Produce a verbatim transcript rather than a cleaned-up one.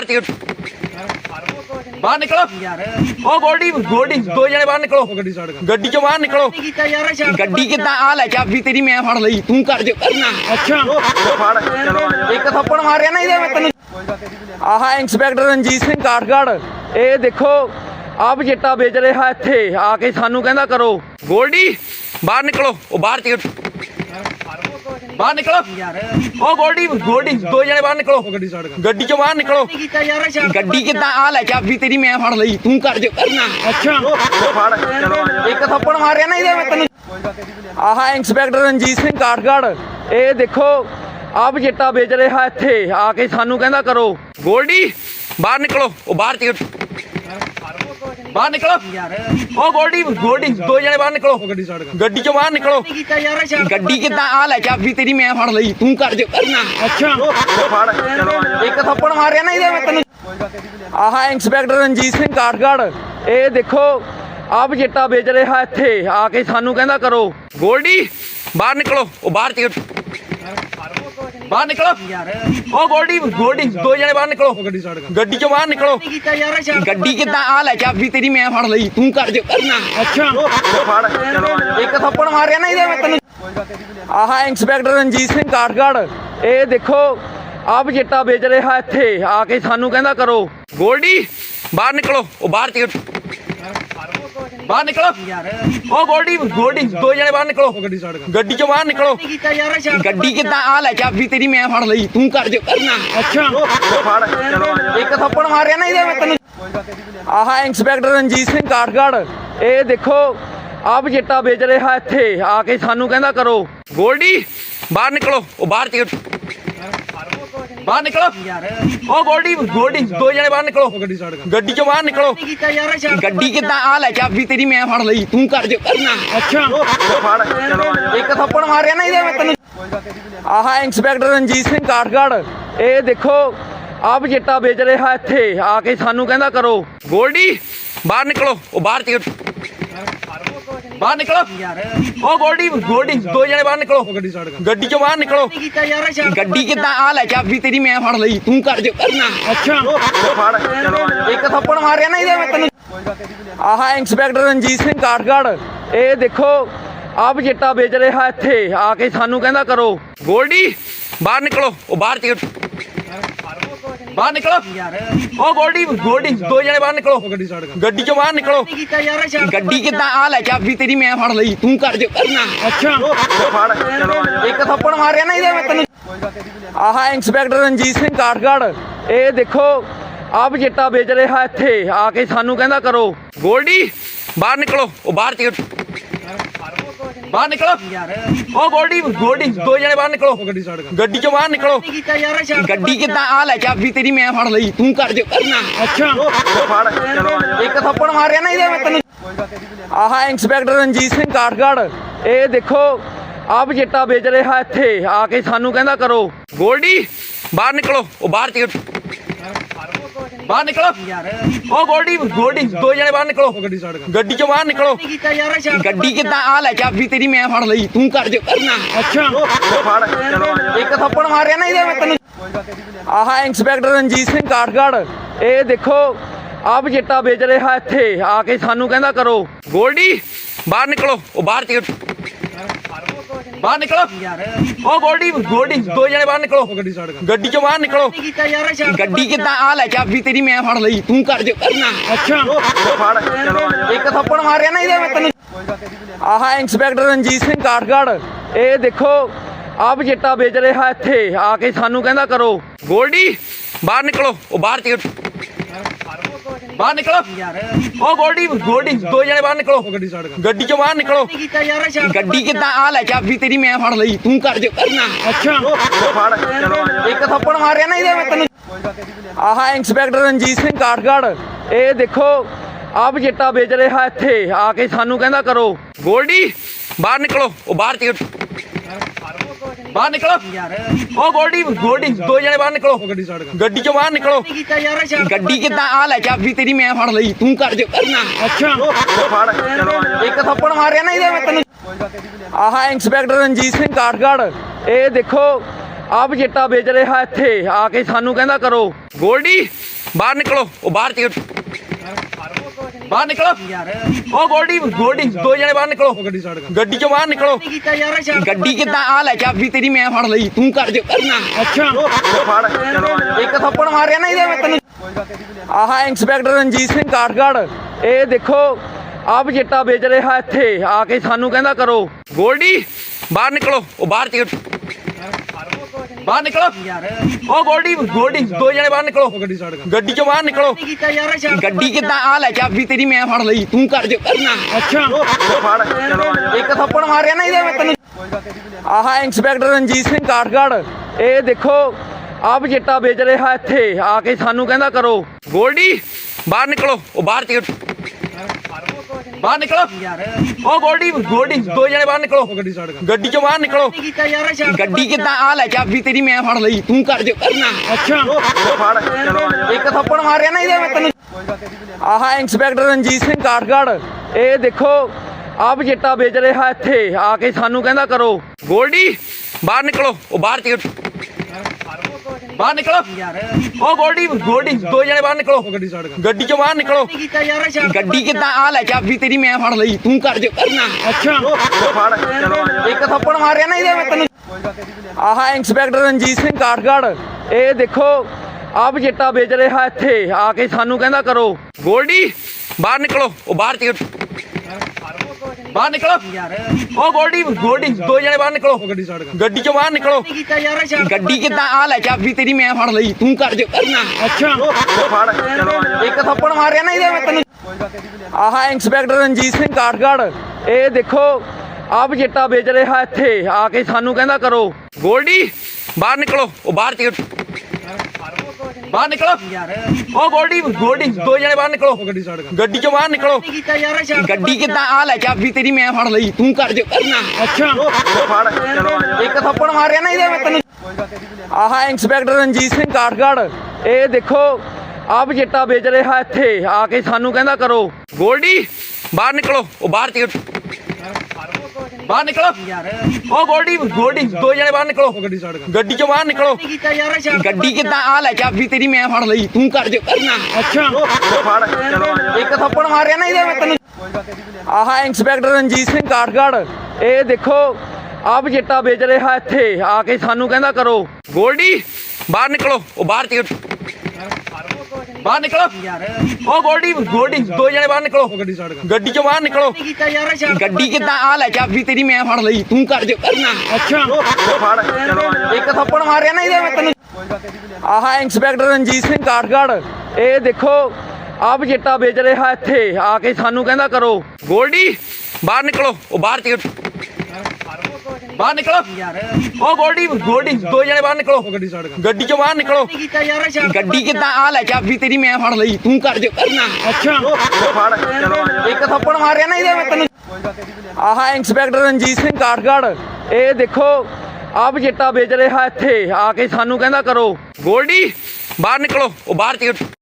बाहर निकलो ओ गोल्डी गोल्डी दो जने बाहर निकलो गड्डी चो बाहर निकलो गड्डी किदा आ ले चाबी तेरी मैं फड़ लई तू कर जो करना अच्छा एक थप्पड़ मारिया ना इहदे मैं तैनूं आह इंस्पैक्टर रणजीत सिंह काठगढ़ ये देखो आप चिट्टा बेच रहा इत्थे आके सानू कहंदा करो गोल्डी बाहर निकलो ओ बाहर बाहर निकलो ओ गोल्डी गोल्डी दो जने बाहर निकलो गड्डी चो बाहर निकलो गड्डी किदा आ ले चाबी तेरी मैं फड़ लई तू कर जो करना अच्छा एक थप्पड़ मारिया ना इहदे मैं तैनूं आह इंस्पैक्टर रणजीत सिंह काठगढ़ ये देखो आप चिट्टा बेच रहा इत्थे आके सानू कहंदा करो गोल्डी बाहर निकलो ओ बाहर बाहर निकलो ओ गोल्डी गोल्डी दो जने बाहर निकलो गड्डी चो बाहर निकलो गड्डी किदा आ ले चाबी तेरी मैं फड़ लई तू कर जो करना अच्छा एक थप्पड़ मारिया ना इहदे मैं तैनूं आह इंस्पैक्टर रणजीत सिंह काठगढ़ ये देखो आप चिट्टा बेच रहा इत्थे आके सानू कहंदा करो गोल्डी बाहर निकलो ओ बाहर बाहर निकलो ओ गोल्डी गोल्डी दो जने बाहर निकलो गड्डी चो बाहर निकलो गड्डी किदा आ ले चाबी तेरी मैं फड़ लई तू कर जो करना अच्छा एक थप्पड़ मारिया ना इहदे मैं तैनूं आह इंस्पैक्टर रणजीत सिंह काठगढ़ ये देखो आप चिट्टा बेच रहा इत्थे आके सानू कहंदा करो गोल्डी बाहर निकलो ओ बाहर बाहर निकलो ओ गोल्डी गोल्डी दो जने बाहर निकलो गड्डी चो बाहर निकलो गड्डी किदा आ ले चाबी तेरी मैं फड़ लई तू कर जो करना अच्छा एक थप्पड़ मारिया ना इहदे मैं तैनूं आह इंस्पैक्टर रणजीत सिंह काठगढ़ ये देखो आप चिट्टा बेच रहा इत्थे आके सानू कहंदा करो गोल्डी बाहर निकलो ओ बाहर बाहर निकलो ओ गोल्डी गोल्डी दो जने बाहर निकलो गड्डी चो बाहर निकलो गड्डी किदा आ ले चाबी तेरी मैं फड़ लई तू कर जो करना अच्छा एक थप्पड़ मारिया ना इहदे मैं तैनूं आह इंस्पैक्टर रणजीत सिंह काठगढ़ ये देखो आप चिट्टा बेच रहा इत्थे आके सानू कहंदा करो गोल्डी बाहर निकलो ओ बाहर बाहर निकलो ओ गोल्डी गोल्डी दो जने बाहर निकलो गड्डी चो बाहर निकलो गड्डी किदा आ ले चाबी तेरी मैं फड़ लई तू कर जो करना अच्छा एक थप्पड़ मारिया ना इहदे मैं तैनूं आह इंस्पैक्टर रणजीत सिंह काठगढ़ ये देखो आप चिट्टा बेच रहा इत्थे आके सानू कहंदा करो गोल्डी बाहर निकलो ओ बाहर बाहर निकलो ओ गोल्डी गोल्डी दो जने बाहर निकलो गड्डी चो बाहर निकलो गड्डी किदा आ ले चाबी तेरी मैं फड़ लई तू कर जो करना अच्छा एक थप्पड़ मारिया ना इहदे मैं तैनूं आह इंस्पैक्टर रणजीत सिंह काठगढ़ ये देखो आप चिट्टा बेच रहा इत्थे आके सानू कहंदा करो गोल्डी बाहर निकलो ओ बाहर बाहर निकलो ओ गोल्डी गोल्डी दो जने बाहर निकलो गड्डी चो बाहर निकलो गड्डी किदा आ ले चाबी तेरी मैं फड़ लई तू कर जो करना अच्छा एक थप्पड़ मारिया ना इहदे मैं तैनूं आह इंस्पैक्टर रणजीत सिंह काठगढ़ ये देखो आप चिट्टा बेच रहा इत्थे आके सानू कहंदा करो गोल्डी बाहर निकलो ओ बाहर बाहर निकलो ओ गोल्डी गोल्डी दो जने बाहर निकलो गड्डी चो बाहर निकलो गड्डी किदा आ ले चाबी तेरी मैं फड़ लई तू कर जो करना अच्छा एक थप्पड़ मारिया ना इहदे मैं तैनूं आह इंस्पैक्टर रणजीत सिंह काठगढ़ ये देखो आप चिट्टा बेच रहा इत्थे आके सानू कहंदा करो गोल्डी बाहर निकलो ओ बाहर बाहर निकलो ओ गोल्डी गोल्डी दो जने बाहर निकलो गड्डी चो बाहर निकलो गड्डी किदा आ ले चाबी तेरी मैं फड़ लई तू कर जो करना अच्छा एक थप्पड़ मारिया ना इहदे मैं तैनूं आह इंस्पैक्टर रणजीत सिंह काठगढ़ ये देखो आप चिट्टा बेच रहा इत्थे आके सानू कहंदा करो गोल्डी बाहर निकलो ओ बाहर बाहर निकलो ओ गोल्डी गोल्डी दो जने बाहर निकलो गड्डी चो बाहर निकलो गड्डी किदा आ ले चाबी तेरी मैं फड़ लई तू कर जो करना अच्छा एक थप्पड़ मारिया ना इहदे मैं तैनूं आह इंस्पैक्टर रणजीत सिंह काठगढ़ ये देखो आप चिट्टा बेच रहा इत्थे आके सानू कहंदा करो गोल्डी बाहर निकलो ओ बाहर बाहर निकलो ओ गोल्डी गोल्डी दो जने बाहर निकलो गड्डी चो बाहर निकलो गड्डी किदा आ ले चाबी तेरी मैं फड़ लई तू कर जो करना अच्छा एक थप्पड़ मारिया ना इहदे मैं तैनूं आह इंस्पैक्टर रणजीत सिंह काठगढ़ ये देखो ਆਪ ਚਿੱਟਾ ਵੇਚ ਰਿਹਾ ਇੱਥੇ ਆ ਕੇ ਸਾਨੂੰ ਕਹਿੰਦਾ ਕਰੋ ਗੋਲਡੀ ਬਾਹਰ ਨਿਕਲੋ ਉਹ ਬਾਹਰ ਚ ਬਾਹਰ ਨਿਕਲੋ ਉਹ ਗੋਲਡੀ ਗੋਲਡੀ ਦੋ ਜਣੇ ਬਾਹਰ ਨਿਕਲੋ ਗੱਡੀ ਚੋਂ ਬਾਹਰ ਨਿਕਲੋ ਗੱਡੀ ਕਿੱਦਾਂ ਆ ਲੈ ਚਾਬੀ ਤੇਰੀ ਮੈਂ ਫੜ ਲਈ ਤੂੰ ਕਰ ਜੋ ਕਰਨਾ ਅੱਛਾ ਇੱਕ ਥੱਪੜ ਮਾਰਿਆ ਨਾ ਇਹਦੇ ਮੈਂ ਤੈਨੂੰ ਆਹ ਇੰਸਪੈਕਟਰ ਰਣਜੀਤ ਸਿੰਘ ਕਾਠਗੜ੍ਹ ਇਹ ਦੇਖੋ ਆਪ ਚਿੱਟਾ ਵੇਚ ਰਿਹਾ ਇੱਥੇ ਆ ਕੇ ਸਾਨੂੰ ਕਹਿੰਦਾ ਕਰੋ ਗੋਲਡੀ ਬਾਹਰ ਨਿਕਲੋ ਉਹ ਬਾਹਰ ਚ ਬਾਹਰ ਨਿਕਲੋ ਉਹ ਗੋਲਡੀ ਗੋਲਡੀ ਦੋ ਜਣੇ ਬਾਹਰ ਨਿਕਲੋ ਗੱਡੀ ਚੋਂ ਬਾਹਰ ਨਿਕਲੋ ਗੱਡੀ ਕਿੱਦਾਂ ਆ ਲੈ ਚਾਬੀ ਤੇਰੀ ਮੈਂ ਫੜ ਲਈ ਤੂੰ ਕਰ ਜੋ ਕਰਨਾ ਅੱਛਾ ਇੱਕ ਥੱਪੜ ਮਾਰਿਆ ਨਾ ਇਹਦੇ ਮੈਂ ਤੈਨੂੰ ਆਹ ਇੰਸਪੈਕਟਰ ਰਣਜੀਤ ਸਿੰਘ ਕਾਠਗੜ੍ਹ ਇਹ ਦੇਖੋ ਆਪ ਚਿੱਟਾ ਵੇਚ ਰਿਹਾ ਇੱਥੇ ਆ ਕੇ ਸਾਨੂੰ ਕਹਿੰਦਾ ਕਰੋ ਗੋਲਡੀ ਬਾਹਰ ਨਿਕਲੋ ਉਹ ਬਾਹਰ ਚ ਬਾਹਰ ਨਿਕਲੋ ਉਹ ਗੋਲਡੀ ਗੋਲਡੀ ਦੋ ਜਣੇ ਬਾਹਰ ਨਿਕਲੋ ਗੱਡੀ ਚੋਂ ਬਾਹਰ ਨਿਕਲੋ ਗੱਡੀ ਕਿੱਦਾਂ ਆ ਲੈ ਚਾਬੀ ਤੇਰੀ ਮੈਂ ਫੜ ਲਈ ਤੂੰ ਕਰ ਜੋ ਕਰਨਾ ਅੱਛਾ ਇੱਕ ਥੱਪੜ ਮਾਰਿਆ ਨਾ ਇਹਦੇ ਮੈਂ ਤੈਨੂੰ ਆਹ ਇੰਸਪੈਕਟਰ ਰਣਜੀਤ ਸਿੰਘ ਕਾਠਗੜ੍ਹ ਇਹ ਦੇਖੋ ਆਪ ਚਿੱਟਾ ਵੇਚ ਰਿਹਾ ਇੱਥੇ ਆ ਕੇ ਸਾਨੂੰ ਕਹਿੰਦਾ ਕਰੋ ਗੋਲਡੀ ਬਾਹਰ ਨਿਕਲੋ ਉਹ ਬਾਹਰ ਚ ਬਾਹਰ ਨਿਕਲੋ ਉਹ ਗੋਲਡੀ ਗੋਲਡੀ ਦੋ ਜਣੇ ਬਾਹਰ ਨਿਕਲੋ ਗੱਡੀ ਚੋਂ ਬਾਹਰ ਨਿਕਲੋ ਗੱਡੀ ਕਿੱਦਾਂ ਆ ਲੈ ਚਾਬੀ ਤੇਰੀ ਮੈਂ ਫੜ ਲਈ ਤੂੰ ਕਰ ਜੋ ਕਰਨਾ ਅੱਛਾ ਇੱਕ ਥੱਪੜ ਮਾਰਿਆ ਨਾ ਇਹਦੇ ਮੈਂ ਤੈਨੂੰ ਆਹ ਇੰਸਪੈਕਟਰ ਰਣਜੀਤ ਸਿੰਘ ਕਾਠਗੜ੍ਹ ਇਹ ਦੇਖੋ ਆਪ ਚਿੱਟਾ ਵੇਚ ਰਿਹਾ ਇੱਥੇ ਆ ਕੇ ਸਾਨੂੰ ਕਹਿੰਦਾ ਕਰੋ ਗੋਲਡੀ ਬਾਹਰ ਨਿਕਲੋ ਉਹ ਬਾਹਰ ਚ ਬਾਹਰ ਨਿਕਲੋ ਉਹ ਗੋਲਡੀ ਗੋਲਡੀ ਦੋ ਜਣੇ ਬਾਹਰ ਨਿਕਲੋ ਗੱਡੀ ਚੋਂ ਬਾਹਰ ਨਿਕਲੋ ਗੱਡੀ ਕਿੱਦਾਂ ਆ ਲੈ ਚਾਬੀ ਤੇਰੀ ਮੈਂ ਫੜ ਲਈ ਤੂੰ ਕਰ ਜੋ ਕਰਨਾ ਅੱਛਾ ਇੱਕ ਥੱਪੜ ਮਾਰਿਆ ਨਾ ਇਹਦੇ ਮੈਂ ਤੈਨੂੰ ਆਹ ਇੰਸਪੈਕਟਰ ਰਣਜੀਤ ਸਿੰਘ ਕਾਠਗੜ੍ਹ ਇਹ ਦੇਖੋ ਆਪ ਚਿੱਟਾ ਵੇਚ ਰਿਹਾ ਇੱਥੇ ਆ ਕੇ ਸਾਨੂੰ ਕਹਿੰਦਾ ਕਰੋ ਗੋਲਡੀ ਬਾਹਰ ਨਿਕਲੋ ਉਹ ਬਾਹਰ ਚ ਬਾਹਰ ਨਿਕਲੋ ਉਹ ਗੋਲਡੀ ਗੋਲਡੀ ਦੋ ਜਣੇ ਬਾਹਰ ਨਿਕਲੋ ਗੱਡੀ ਚੋਂ ਬਾਹਰ ਨਿਕਲੋ ਗੱਡੀ ਕਿੱਦਾਂ ਆ ਲੈ ਚਾਬੀ ਤੇਰੀ ਮੈਂ ਫੜ ਲਈ ਤੂੰ ਕਰ ਜੋ ਕਰਨਾ ਅੱਛਾ ਇੱਕ ਥੱਪੜ ਮਾਰਿਆ ਨਾ ਇਹਦੇ ਮੈਂ ਤੈਨੂੰ ਆਹ ਇੰਸਪੈਕਟਰ ਰਣਜੀਤ ਸਿੰਘ ਕਾਠਗੜ੍ਹ ਇਹ ਦੇਖੋ ਆਪ ਚਿੱਟਾ ਵੇਚ ਰਿਹਾ ਇੱਥੇ ਆ ਕੇ ਸਾਨੂੰ ਕਹਿੰਦਾ ਕਰੋ ਗੋਲਡੀ ਬਾਹਰ ਨਿਕਲੋ ਉਹ ਬਾਹਰ ਚ ਬਾਹਰ ਨਿਕਲੋ ਉਹ ਗੋਲਡੀ ਗੋਲਡੀ ਦੋ ਜਣੇ ਬਾਹਰ ਨਿਕਲੋ ਗੱਡੀ ਚੋਂ ਬਾਹਰ ਨਿਕਲੋ ਗੱਡੀ ਕਿੱਦਾਂ ਆ ਲੈ ਚਾਬੀ ਤੇਰੀ ਮੈਂ ਫੜ ਲਈ ਤੂੰ ਕਰ ਜੋ ਕਰਨਾ ਅੱਛਾ ਇੱਕ ਥੱਪੜ ਮਾਰਿਆ ਨਾ ਇਹਦੇ ਮੈਂ ਤੈਨੂੰ ਆਹ ਇੰਸਪੈਕਟਰ ਰਣਜੀਤ ਸਿੰਘ ਕਾਠਗੜ੍ਹ ਇਹ ਦੇਖੋ ਆਪ ਚਿੱਟਾ ਵੇਚ ਰਿਹਾ ਇੱਥੇ ਆ ਕੇ ਸਾਨੂੰ ਕਹਿੰਦਾ ਕਰੋ ਗੋਲਡੀ ਬਾਹਰ ਨਿਕਲੋ ਉਹ ਬਾਹਰ ਚ ਬਾਹਰ ਨਿਕਲੋ ਉਹ ਗੋਲਡੀ ਗੋਲਡੀ ਦੋ ਜਣੇ ਬਾਹਰ ਨਿਕਲੋ ਗੱਡੀ ਚੋਂ ਬਾਹਰ ਨਿਕਲੋ ਗੱਡੀ ਕਿੱਦਾਂ ਆ ਲੈ ਚਾਬੀ ਤੇਰੀ ਮੈਂ ਫੜ ਲਈ ਤੂੰ ਕਰ ਜੋ ਕਰਨਾ ਅੱਛਾ ਇੱਕ ਥੱਪੜ ਮਾਰਿਆ ਨਾ ਇਹਦੇ ਮੈਂ ਤੈਨੂੰ ਆਹ ਇੰਸਪੈਕਟਰ ਰਣਜੀਤ ਸਿੰਘ ਕਾਠਗੜ੍ਹ ਇਹ ਦੇਖੋ ਆਪ ਚਿੱਟਾ ਵੇਚ ਰਿਹਾ ਇੱਥੇ ਆ ਕੇ ਸਾਨੂੰ ਕਹਿੰਦਾ ਕਰੋ ਗੋਲਡੀ ਬਾਹਰ ਨਿਕਲੋ ਉਹ ਬਾਹਰ ਚ ਬਾਹਰ ਨਿਕਲੋ ਉਹ ਗੋਲਡੀ ਗੋਲਡੀ ਦੋ ਜਣੇ ਬਾਹਰ ਨਿਕਲੋ ਗੱਡੀ ਚੋਂ ਬਾਹਰ ਨਿਕਲੋ ਗੱਡੀ ਕਿੱਦਾਂ ਆ ਲੈ ਚਾਬੀ ਤੇਰੀ ਮੈਂ ਫੜ ਲਈ ਤੂੰ ਕਰ ਜੋ ਕਰਨਾ ਅੱਛਾ ਇੱਕ ਥੱਪੜ ਮਾਰਿਆ ਨਾ ਇਹਦੇ ਮੈਂ ਤੈਨੂੰ ਆਹ ਇੰਸਪੈਕਟਰ ਰਣਜੀਤ ਸਿੰਘ ਕਾਠਗੜ੍ਹ ਇਹ ਦੇਖੋ ਆਪ ਚਿੱਟਾ ਵੇਚ ਰਿਹਾ ਇੱਥੇ ਆ ਕੇ ਸਾਨੂੰ ਕਹਿੰਦਾ ਕਰੋ ਗੋਲਡੀ ਬਾਹਰ ਨਿਕਲੋ ਉਹ ਬਾਹਰ ਚ